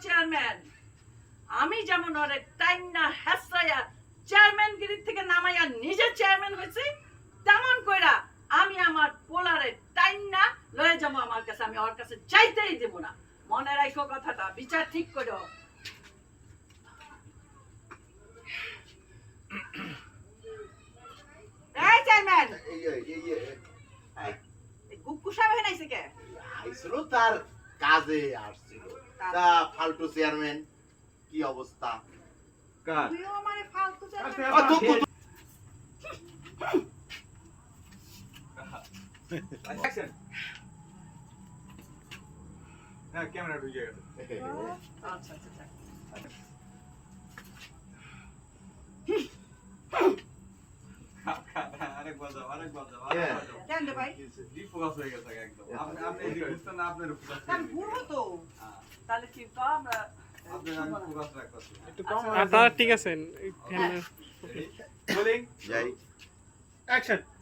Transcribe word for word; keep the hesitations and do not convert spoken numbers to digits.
Chairman আমি যেমন ওরে টাইম না হাসরাইয়া চেয়ারম্যানগিরি থেকে নামাইয়া নিজে চেয়ারম্যান হয়েছি তেমন কইরা আমি আমার পোলারে টাইম না লয়ে যাবো আমার কাছে আমি ওর কাছে চাইতেই দেব না মনে রাখো কথাটা বিচার ঠিক করো এই চেয়ারম্যান এই এই এই এই গুক্কু সাহেব নাইছে কে আইছিল তার কাজে আসছিল তা ফালতু চেয়ারম্যান কি অবস্থা কার তুইও আমারে ফালতু আ, চেয়ারম্যান তো- তো- অ্যাকশন হ্যাঁ ক্যামেরা ঢুকে গেছে আচ্ছা আচ্ছা আচ্ছা আরেক বাজাও আরেক বাজাও হ্যাঁ। আরেক বাজাও কেন রে ভাই ডিফোকাস হয়ে গেছে একদম আপনি আপনি এই বুঝতেন না আপনার ফোকাস আমি ঘুরবো তো তাহলে কি তো আমরা আপনি আমি ফোকাস রাখতেছি একটু কম আর তারা ঠিক আছেন রোলিং যাই অ্যাকশন